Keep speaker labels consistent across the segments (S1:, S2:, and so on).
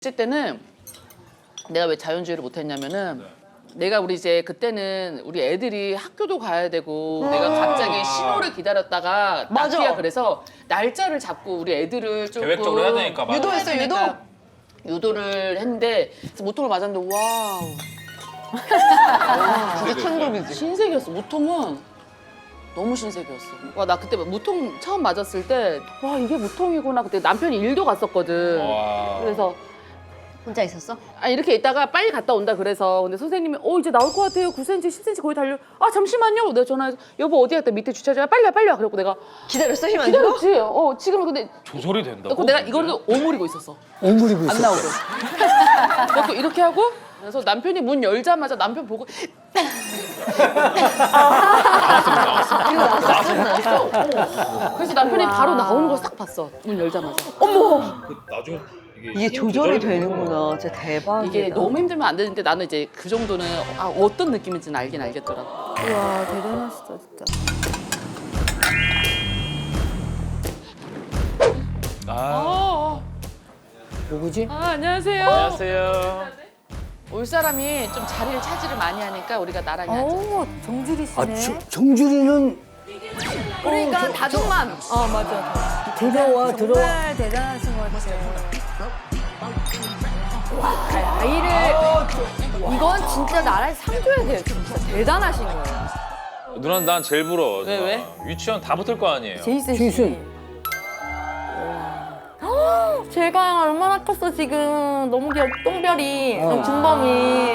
S1: 했을 때는 내가 왜 자연주의를 못했냐면은 내가 우리 이제 그때는 우리 애들이 학교도 가야 되고 내가 갑자기 신호를 기다렸다가
S2: 맞아.
S1: 낙기야 그래서 날짜를 잡고 우리 애들을 조금
S3: 계획적으로 해야 되니까. 맞아.
S2: 유도했어, 유도?
S1: 유도를 했는데 그래서 모통을 맞았는데 와우
S2: 진짜 천국이지.
S1: 신세계였어. 무통은 너무 신세계였어. 와, 나 그때 무통 처음 맞았을 때 와 이게 무통이구나. 그때 남편이 일도 갔었거든.
S3: 와.
S1: 그래서
S2: 혼자 있었어?
S1: 아 이렇게 있다가 빨리 갔다 온다 그래서 근데 선생님이 이제 나올 것 같아요. 9cm, 10cm 거의 달려. 아 잠시만요. 내가 전화해서 여보 어디 갔다 밑에 주차장에 빨리 와 빨리 와. 그래갖고 내가
S2: 기다렸어? 힘 안 들어?
S1: 기다렸지. 지금은 근데
S3: 조절이 된다고?
S1: 그래서 내가 이거를 오므리고 있었어.
S4: 오므리고
S1: 안
S4: 있었어.
S1: 나오고. 그래서 이렇게 하고 그래서 남편이 문 열자마자 남편 보고 그래서 남편이 바로 나오는 걸 싹 봤어. 문 열자마자.
S3: 나중에
S2: 이게 조절이 되는구나. 진짜 대박이다.
S1: 이게 너무 힘들면 안 되는데 나는 이제 그 정도는 어떤 느낌인지는 알긴 알겠더라고.
S5: 와 대단하시다 진짜.
S4: 누구지?
S1: 안녕하세요.
S3: 안녕하세요.
S1: 올 사람이 좀 자리를 차지를 많이 하니까 우리가 나란히 앉아.
S5: 오 정주리 씨네.
S4: 정주리는
S5: 그러니까 다정맘. 맞아.
S4: 들어와 들어와.
S5: 정말 대단하신 것 같아요. 와 아이를 이건 진짜 나라에 상 줘야 돼요. 진짜 대단하신 거예요.
S3: 누나 난 제일 부러워.
S1: 왜,
S3: 누나.
S1: 왜?
S3: 유치원 다 붙을 거 아니에요.
S5: 제이슨 씨.
S4: 제이슨.
S5: 제가 얼마나 컸어 지금. 너무 귀여워. 똥별이, 준범이.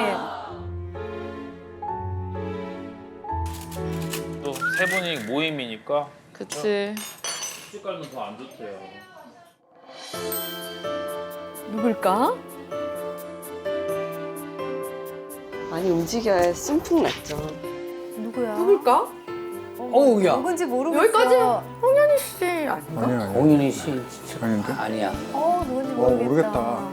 S3: 또 세 분이 모임이니까
S1: 그치.
S3: 시집 가면 더 안 좋대요.
S5: 누굴까?
S2: 많이 움직여야 숨풍 났죠.
S5: 누구야? 누굴까?
S4: 어우 야.
S5: 누군지 모르겠어. 여기까지? 홍현희 씨 아닌가?
S6: 아니야, 아니야.
S4: 공윤희 씨 진짜
S6: 아닌데?
S4: 아니야.
S5: 누군지 모르겠다.
S6: 모르겠다.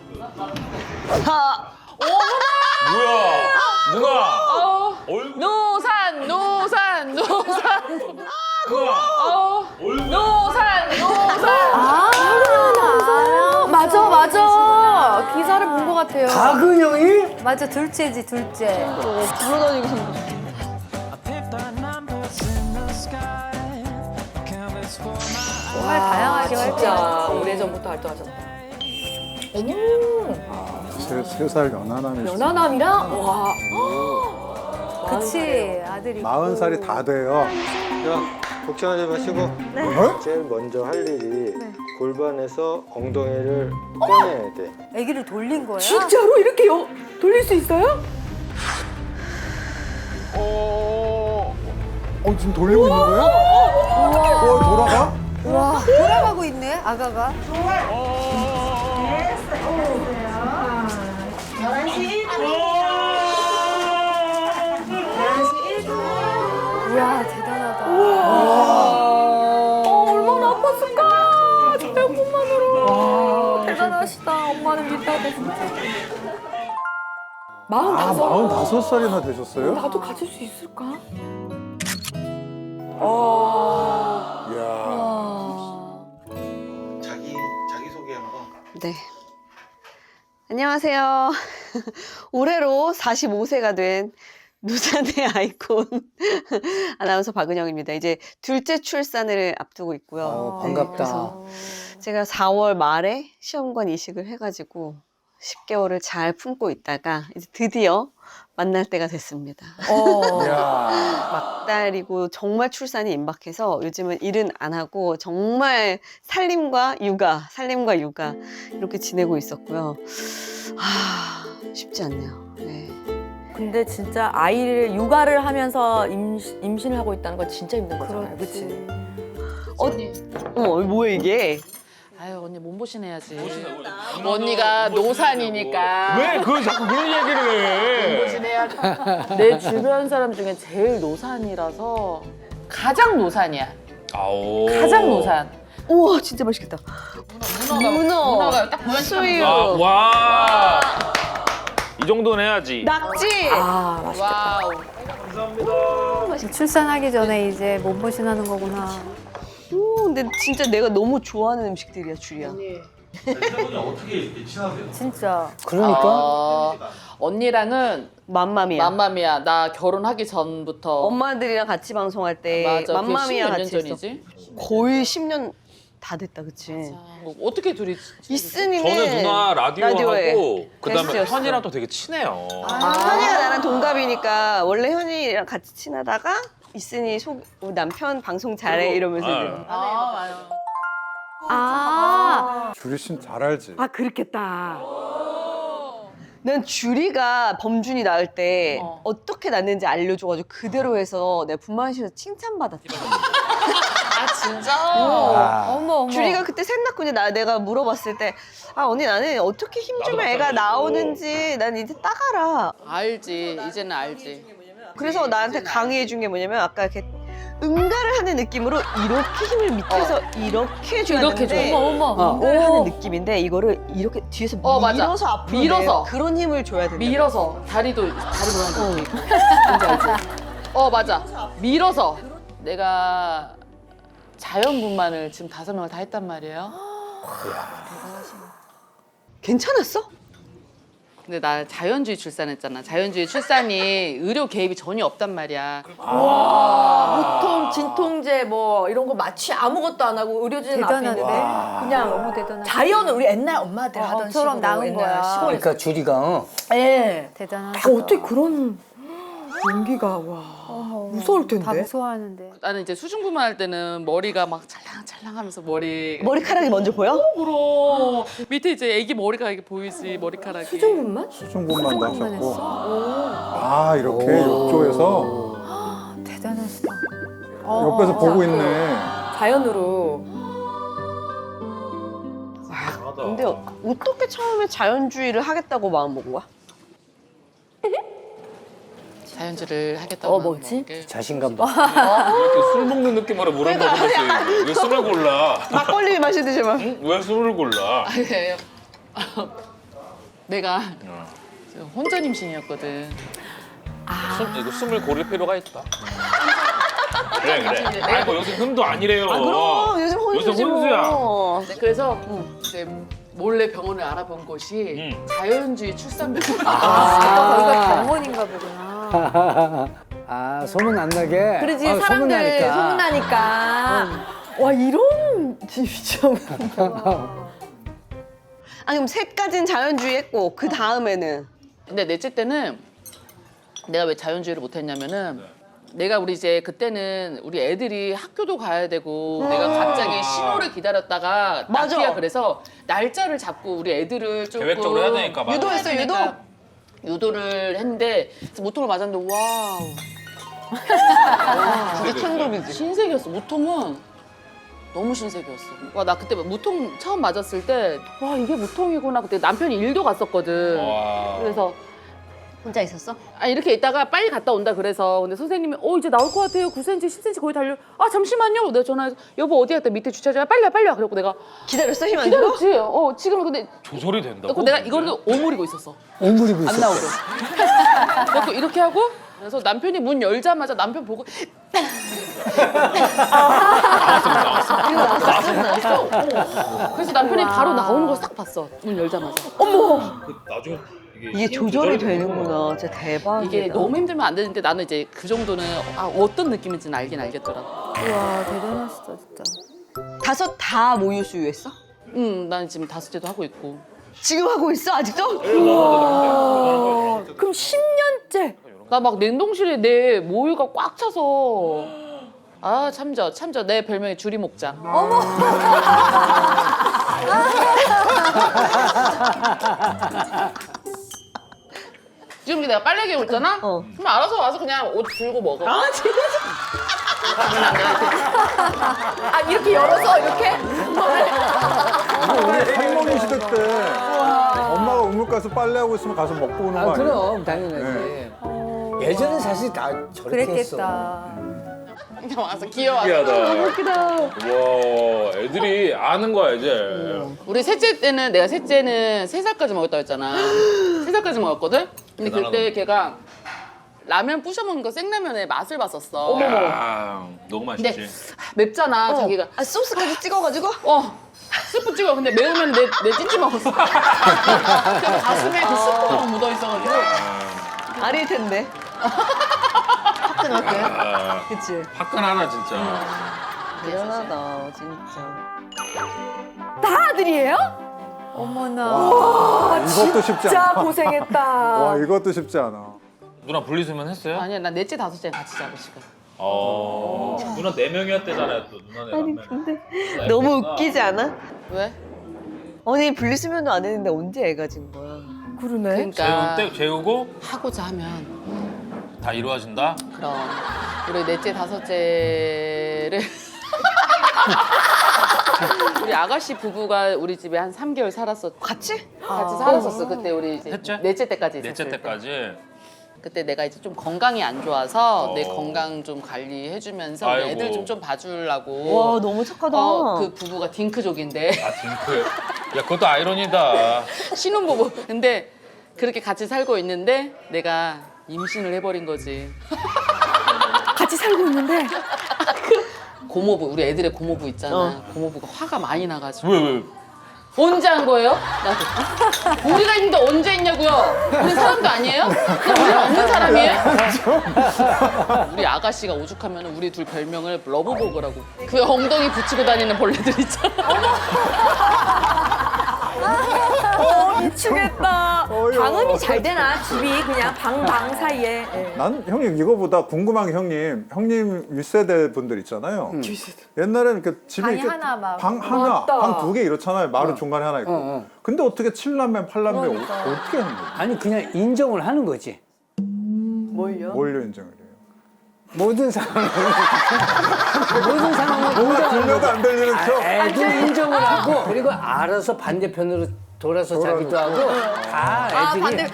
S3: 뭐야? 누나! 얼굴
S1: 노산.
S3: 누나!
S5: 맞아. 기사를 본 것 같아요.
S4: 박은영이?
S5: 맞아, 둘째지, 둘째.
S2: 불러다니고 싶어.
S5: 정말 다양하게
S1: 진짜
S5: 활동.
S1: 오래전부터 활동하셨다.
S6: 세 살 연하남이 있어.
S5: 연하남이랑? 와. 그치, 아들이.
S6: 40살이 다 돼요.
S7: 자, 걱정하지 마시고 제일 먼저 할 일이 골반에서 엉덩이를 꺼내야 돼.
S5: 아기를 돌린 거야?
S1: 진짜로 이렇게 돌릴 수 있어요?
S6: 지금 돌리고 있는 거야? 돌아가?
S5: 와, 돌아가고 있네, 아가가. 이야, 대단하다. 얼마나 아팠을까? 저 배고픔만으로. 대단하시다. 엄마는 믿다, 진짜. 45?
S6: 45살이나 되셨어요?
S5: 나도 가질 수 있을까?
S6: 이야.
S7: 자기소개 한번.
S2: 네. 안녕하세요. 올해로 45세가 된 누산의 아이콘 아나운서 박은영입니다. 이제 둘째 출산을 앞두고 있고요.
S4: 반갑다.
S2: 그래서 제가 4월 말에 시험관 이식을 해가지고 10개월을 잘 품고 있다가 이제 드디어 만날 때가 됐습니다.
S6: 이야.
S2: 막달이고 정말 출산이 임박해서 요즘은 일은 안 하고 정말 살림과 육아 이렇게 지내고 있었고요. 쉽지 않네요. 네.
S8: 근데 진짜 아이를 육아를 하면서 임신을 하고 있다는 건 진짜 힘든 거잖아요. 그치?
S2: 뭐야 이게?
S1: 아유 언니 몸보신 해야지. 언니가 노산이니까.
S3: 왜 그걸 자꾸 그런 얘기를 해?
S1: 몸보신 해야지. 내 주변 사람 중에 제일 노산이라서 가장 노산이야.
S3: 아오.
S1: 가장 노산.
S2: 우와 진짜 맛있겠다. 문어가
S1: 딱 보면
S2: 수유,
S3: 와. 이 정도는 해야지.
S2: 낙지.
S1: 와우.
S5: 출산하기 전에 이제 몸보신 하는 거구나.
S2: 근데 진짜 내가 너무 좋아하는 음식들이야, 줄이야.
S1: 언니
S5: 진짜.
S4: 그러니까
S1: 언니랑은
S2: 맘마미아.
S1: 맘마미아. 나 결혼하기 전부터.
S2: 엄마들이랑 같이 방송할 때
S1: 맞아.
S2: 맘마미아
S1: 그게 10몇 년
S2: 같이 했어.
S1: 전이지.
S2: 거의 10년 다 됐다, 그치?
S1: 어떻게 둘이
S2: 이슨이는
S3: 저는 누나
S2: 라디오에
S3: 라디오하고 그다음에
S2: 게스트였어.
S3: 현이랑 또 되게 친해요.
S2: 현이가 나랑 동갑이니까 원래 현이랑 같이 친하다가 이슨이 우리 남편 방송 잘해 이러면서 이제
S1: 맞아.
S5: 아,
S6: 주리 씨는 잘 알지.
S8: 아 그렇겠다.
S2: 난 주리가 범준이 낳을 때 어떻게 낳는지 알려줘가지고 그대로 해서 내가 분만실에서 칭찬받았다.
S1: 아 진짜?
S5: 어머.
S2: 주리가 그때 셋 낳고 이제 내가 물어봤을 때 아 언니 나는 어떻게 힘 주면 애가 나오는지 난 이제 따가라.
S1: 알지. 이제는 알지.
S2: 그래서 나한테 강의해 준 게 뭐냐면 아까 이렇게 응가를 하는 느낌으로 이렇게 힘을 밑에서 이렇게 줘야
S1: 이렇게
S2: 되는데
S1: 줘.
S5: 어머.
S2: 응가를 하는 느낌인데 이거를 이렇게 뒤에서
S1: 맞아.
S2: 밀어서 앞으로
S1: 밀어서.
S2: 내요. 그런 힘을 줘야 된다.
S1: 밀어서 다리 모양 뭔지 알지? 맞아. 밀어서 내가 자연분만을 지금 5명을 다 했단 말이에요.
S2: 괜찮았어?
S1: 근데 나 자연주의 출산했잖아. 자연주의 출산이 의료 개입이 전혀 없단 말이야.
S8: 보통 진통제 뭐 이런 거 마취 아무것도 안 하고 의료진 앞에 있는데 그냥
S5: 너무 대단하다.
S8: 자연을 우리 옛날 엄마들 하던
S5: 처럼
S8: 식으로
S5: 나은
S8: 옛날
S5: 거야.
S8: 시골.
S4: 그러니까 주리가
S8: 예.
S5: 대단하다.
S8: 어떻게 그런 용기가 와 무서울 텐데.
S5: 다 무서워하는데.
S1: 나는 이제 수중분만 할 때는 머리가 막 찰랑찰랑하면서
S2: 머리카락이 먼저 보여?
S1: 으로 밑에 이제 애기 머리가 이렇게 보이지 머리카락이.
S8: 수중분만?
S6: 수중분만도 하셨고. 아 이렇게 욕조에서
S5: 대단하시다.
S6: 옆에서 보고 있네.
S8: 자연으로.
S2: 근데 어떻게 처음에 자연주의를 하겠다고 마음 먹은 거야?
S1: 자연주의를 하겠다고.
S8: 뭐지?
S4: 자신감 봐.
S3: 이렇게 술 먹는 느낌으로 물어보는데 왜 술을 골라?
S2: 막걸리 마시듯이 막.
S3: 응? 왜 술을 골라?
S1: 아니에요. 내가 혼전 임신이었거든.
S3: 이거 숨을 고를 필요가 있다. 그래. 아니 뭐 요새 흠도 아니래요.
S2: 그럼 요즘 혼수지
S3: 혼수야.
S2: 뭐.
S1: 네, 그래서 이제 몰래 병원을 알아본 곳이 자연주의 출산병원.
S5: 거기가 병원인가 보구나.
S4: 아 소문 안 나게.
S8: 그러지
S4: 소문
S8: 사람들
S4: 나니까.
S8: 소문나니까. 와 이런 진짜.
S2: 아니 그럼 셋까지는 자연주의 했고 그 다음에는
S1: 근데 넷째 때는 내가 왜 자연주의를 못했냐면은 내가 우리 이제 그때는 우리 애들이 학교도 가야 되고 내가 갑자기 신호를 기다렸다가
S2: 맞아.
S1: 낳기야 그래서 날짜를 잡고 우리 애들을 조금
S3: 계획적으로 해야 되니까. 맞아.
S2: 유도했어 유도?
S1: 유도를 했는데 모통을 맞았는데 와우
S2: 진짜 천국이지.
S1: 신세계였어. 무통은 너무 신세계였어. 와 나 그때 무통 처음 맞았을 때 와 이게 무통이구나. 그때 남편이 일도 갔었거든.
S3: 와.
S1: 그래서
S2: 혼자 있었어?
S1: 아 이렇게 있다가 빨리 갔다 온다 그래서 근데 선생님이 이제 나올 것 같아요 9cm 10cm 거의 달려 아 잠시만요 내가 전화해서 여보 어디 갔다 밑에 주차장에 빨리 와 그래갖고 내가
S2: 기다렸어? 힘 안 들어?
S1: 기다렸지 지금은 근데
S3: 조절이 된다고?
S1: 내가 이거를 오므리고 있었어
S4: 오므리고
S1: 안
S4: 있었어.
S1: 나오게 그래서 이렇게 하고 그래서 남편이 문 열자마자 남편 보고 나왔어. 그래서 남편이 바로 나오는 걸 싹 봤어 문 열자마자
S3: 나중에
S2: 이게 조절이 되는구나. 진짜 대박이다.
S1: 이게 너무 힘들면 안 되는데 나는 이제 그 정도는 어떤 느낌인지는 알긴 알겠더라고.
S5: 우와 대단하시다 진짜.
S2: 5 다 모유 수유했어?
S1: 난 지금 5째도 하고 있고.
S2: 지금 하고 있어 아직도?
S8: 그럼 10년째.
S1: 나 막 냉동실에 내 모유가 꽉 차서 참져 내 별명이 주리 목장. 지금 내가 빨래 개고 있잖아? 그럼 알아서 와서 그냥 옷 들고 먹어.
S8: 이렇게 열어서 이렇게?
S6: 우리 할머니 시대 때 엄마가 우물가에서 빨래하고 있으면 가서 먹고 오는 거 아니야?
S4: 그럼 당연하지. 예전에 사실 다 저렇게 했어.
S5: 그랬겠다.
S1: 그냥 와서 귀여워.
S3: 신기하다. 와, 애들이 아는 거야 이제.
S1: 우리 셋째 때는 내가 셋째는 3살까지 먹었다고 했잖아. 3살까지 먹었거든? 근데 그때 걔가 라면 부셔 먹는 거 생라면의 맛을 봤었어.
S3: 야, 너무 맛있지.
S1: 맵잖아 자기가.
S2: 소스까지 찍어가지고?
S1: 스프 찍어. 근데 매우면 내 찐찌 먹었어. 그래서 가슴에 그 스프가 묻어 있어가지고.
S2: 아릴 텐데.
S1: 화끈하게.
S2: 그치?
S3: 화끈하다 진짜.
S2: 미안하다, 진짜.
S8: 다 아들이에요? 어머나.
S6: 이것도 쉽지
S8: 진짜
S6: 않아.
S8: 고생했다.
S6: 와, 이것도 쉽지 않아.
S3: 누나 분리수면 했어요?
S1: 아니야, 나 넷째 다섯째 같이 잡으시고.
S3: 누나 4명이었대잖아요. 또 누나네
S2: 아니,
S3: 남매.
S2: 근데 너무 웃기지 않아?
S1: 왜?
S2: 아니, 분리수면도 안 했는데 언제 애가 진 거야?
S8: 그러네.
S1: 그러니까
S3: 재우고
S1: 하고자 하면
S3: 다 이루어진다?
S1: 그럼 우리 넷째 다섯째를 우리 아가씨 부부가 우리 집에 한 3개월 살았었.
S2: 같이?
S1: 같이 살았었어. 그때 우리 이제
S3: 셋째?
S1: 넷째 때까지 있었을
S3: 넷째
S1: 때.
S3: 때까지.
S1: 그때 내가 이제 좀 건강이 안 좋아서 내
S3: 어.
S1: 건강 좀 관리해주면서
S3: 아이고.
S1: 애들 좀 봐주려고.
S2: 와, 너무 착하다.
S1: 그 부부가 딩크족인데
S3: 아 딩크. 야 그것도 아이러니다.
S1: 신혼부부. 근데 그렇게 같이 살고 있는데 내가 임신을 해버린 거지.
S8: 같이 살고 있는데.
S1: 고모부, 우리 애들의 고모부 있잖아. 고모부가 화가 많이 나가지고.
S3: 왜?
S1: 언제 한 거예요? 나도. 우리가 있는데 언제 했냐고요? 우리 사람도 아니에요? 우리 없는 사람이에요? 우리 아가씨가 오죽하면 우리 둘 별명을 러브버거라고. 그 엉덩이 붙이고 다니는 벌레들 있잖아.
S8: 미치겠다.
S6: 어이구.
S8: 방음이 잘 되나? 집이 그냥 방 사이에. 예.
S6: 난 형님 이거보다 궁금한 게 형님 윗세대 분들 있잖아요. 옛날에는 이렇게 집에
S5: 방이
S6: 이렇게
S5: 하나 막.
S6: 방 하나,
S8: 맞다.
S6: 방 2개 이렇잖아요. 마루 중간에 하나 있고.
S4: 어.
S6: 근데 어떻게 7남매, 8남매 어떻게 하는 거예요?
S4: 아니 그냥 인정을 하는 거지.
S2: 뭘요?
S6: 뭘로 인정을 해요?
S4: 모든 상황을 모든 상황을
S6: 뭔가 들려도 안 들리는 척.
S4: 애도 인정을 하고 그리고 알아서 반대편으로 돌아서 자기도 하고 다 애들이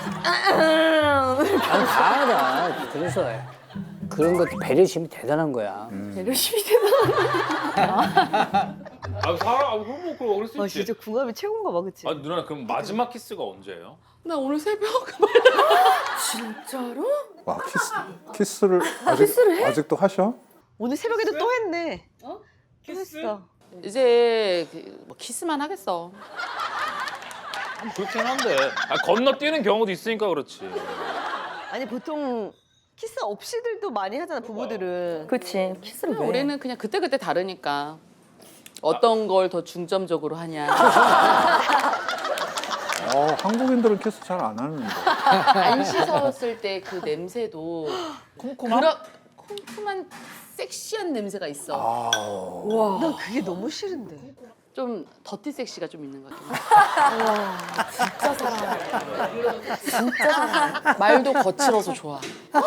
S4: 다 알아. 그래서 그런 것도 배려심이 대단한 거야.
S8: 열심히 되나?
S3: 아 사람 그럼 뭐 그럴 수
S2: 아,
S3: 있지.
S2: 진짜 궁합이 최고인가 봐, 그치?
S3: 아 누나 그럼 마지막 키스가 언제예요?
S1: 나 오늘 새벽
S8: 진짜로?
S6: 와, 키스를 아직도 하셔?
S2: 오늘 새벽에도 또 했네.
S3: 키스?
S2: 했어.
S1: 이제 뭐 키스만 하겠어.
S3: 그렇긴 한데 건너뛰는 경우도 있으니까 그렇지.
S2: 아니, 보통 키스 없이들도 많이 하잖아, 부부들은.
S8: 그치. 키스를 왜?
S1: 우리는 그냥 그때그때 다르니까 어떤 걸 더 중점적으로 하냐.
S6: 한국인들은 키스 잘 안 하는데.
S1: 안 씻었을 때 그 냄새도 쿰쿰한 섹시한 냄새가 있어.
S2: 난 그게 너무 싫은데.
S1: 좀 더티 섹시가 좀 있는 것 같아.
S8: 진짜 사랑해.
S1: 진짜 사랑해. 말도 거칠어서 좋아.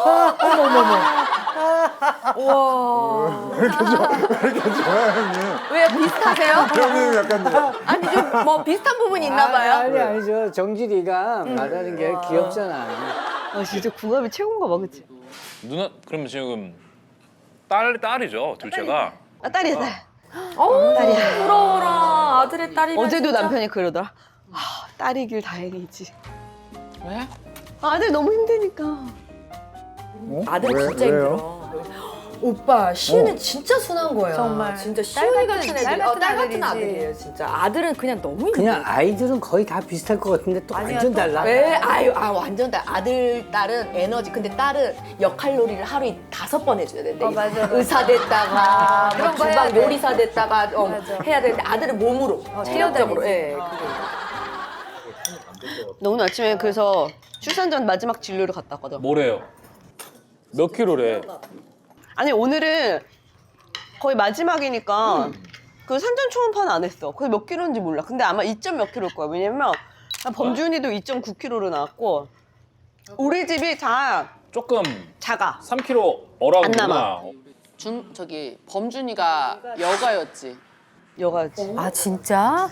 S6: 왜 이렇게 좋아요, 형님?
S5: 왜 비슷하세요?
S6: 형님 약간
S5: 아니 좀 뭐 비슷한 부분이 있나 봐요.
S4: 아니죠. 정진이가 말하는 게 귀엽잖아.
S2: 아, 진짜 궁합이 최고인가 봐, 그치?
S3: 누나 그럼 지금 딸이죠 둘째가.
S2: 아, 딸이야, 딸.
S8: 딸이야. 부러워라. 아들의 딸이면
S2: 어제도
S8: 진짜.
S2: 남편이 그러더라. 아, 딸이길 다행이지.
S1: 왜?
S2: 아들 너무 힘드니까.
S8: 아들
S6: 왜,
S8: 진짜
S6: 왜요?
S8: 힘들어. 오빠 시은은 진짜 순한 거예요.
S5: 정말.
S8: 진짜
S5: 딸
S8: 시은이
S5: 같은-
S8: 같은 애들.
S5: 딸 같은
S8: 딸 같은
S5: 아들이지.
S8: 아들이에요. 진짜 아들은 그냥 너무 힘들어.
S4: 그냥 아이들은 거의 다 비슷할 것 같은데 또
S5: 아니야,
S4: 완전
S5: 또-
S4: 달라.
S8: 왜? 완전 달. 아들, 딸은 에너지. 근데 딸은 역할놀이를 하루에 5번 해줘야 된대.
S5: 맞아.
S8: 의사 됐다가, 뭐
S5: 그런 거 해야
S8: 주방
S5: 돼.
S8: 요리사 됐다가
S5: 맞아.
S8: 해야 되는데 아들은 몸으로, 체력적으로. 예.
S2: 나 오늘 아침에 그래서 출산 전 마지막 진료를 갔다 왔거든.
S3: 뭐래요? 몇 킬로래?
S2: 아니, 오늘은 거의 마지막이니까 그 산전 초음파는 안 했어. 그게 몇 킬로인지 몰라. 근데 아마 2점 몇 킬로일 거야. 왜냐면 범준이도 2.9킬로로 나왔고 우리 집이 다
S3: 조금
S2: 작아.
S3: 3kg 어라운드구나.
S2: 안 남아.
S1: 범준이가 여가였지.
S2: 여가지.
S5: 아 진짜?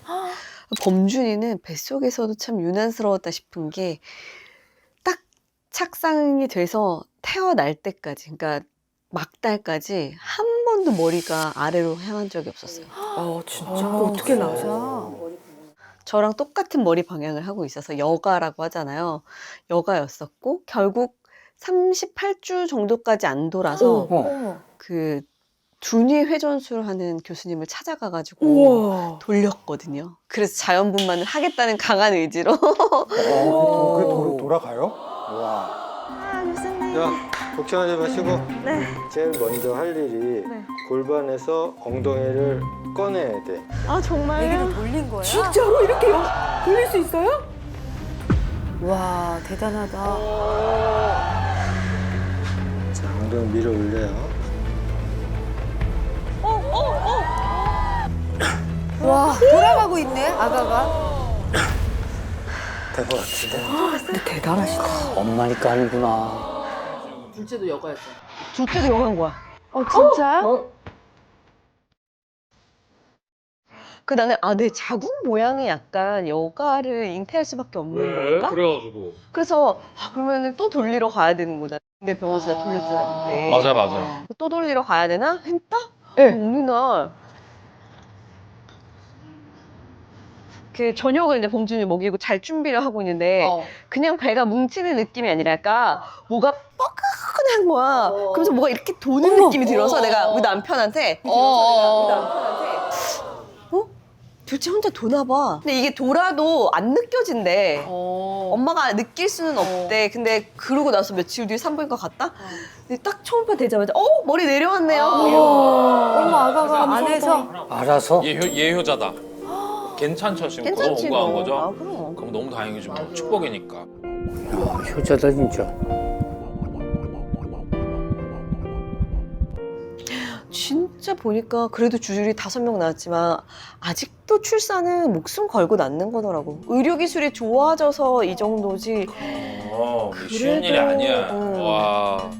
S2: 범준이는 뱃속에서도 참 유난스러웠다 싶은 게 딱 착상이 돼서 태어날 때까지, 그러니까 막달까지 한 번도 머리가 아래로 향한 적이 없었어요.
S8: 진짜. 어떻게 나오죠?
S2: 저랑 똑같은 머리 방향을 하고 있어서 여가라고 하잖아요. 여가였었고 결국 38주 정도까지 안 돌아서
S4: 어.
S2: 그 두뇌 회전술 하는 교수님을 찾아가가지고 돌렸거든요. 그래서 자연분만을 하겠다는 강한 의지로.
S6: 그게 돌아가요? 와.
S7: 자, 걱정하지 마시고 제일 먼저 할 일이 골반에서 엉덩이를 꺼내야 돼.
S2: 아 정말요?
S8: 얘기를 돌린 거야?
S2: 진짜로 이렇게 돌릴 수 있어요?
S8: 와, 대단하다.
S7: 자, 엉덩이 밀어 올려요.
S8: 와, 돌아가고 있네, 아가가.
S7: 될 것 같은데.
S8: 근데 대단하시다.
S4: 엄마니까 하는구나.
S1: 둘째도 여가였죠.
S2: 둘째도 영한 거야.
S5: 진짜요?
S2: 그 나는 내 자궁 모양이 약간 여가를 잉태할 수밖에 없는 건가?
S3: 그래가지고.
S2: 그래서 그러면 또 돌리러 가야 되는구나. 근데 병원에서 돌렸었는데.
S3: 맞아.
S2: 또 돌리러 가야 되나 했다? 네. 어느 날. 그 저녁을 이제 봉준이 먹이고 잘 준비를 하고 있는데 그냥 배가 뭉치는 느낌이 아니라 약간 뭐가 뻐근한 거야. 그래서 뭐가 이렇게 도는 느낌이 들어서 내가 우리 남편한테 도대체 혼자 도나 봐. 근데 이게 돌아도 안 느껴진대. 엄마가 느낄 수는 없대. 근데 그러고 나서 며칠 뒤에 산부인과 갔다? 근데 딱 초음파 되자마자 머리 내려왔네요.
S8: 어머, 아가가 안에서.
S4: 알아서?
S3: 예효자다. 괜찮죠 지금
S2: 괜찮지,
S3: 그거 온거한
S2: 너.
S3: 거죠?
S2: 아, 그럼.
S3: 그럼 너무 다행이지 뭐. 축복이니까.
S4: 야, 효자다 진짜.
S2: 진짜 보니까 그래도 주줄이 5명 나왔지만 아직도 출산은 목숨 걸고 낳는 거더라고. 의료기술이 좋아져서 이 정도지.
S3: 쉬운 일이 아니야.
S2: 응.
S3: 와.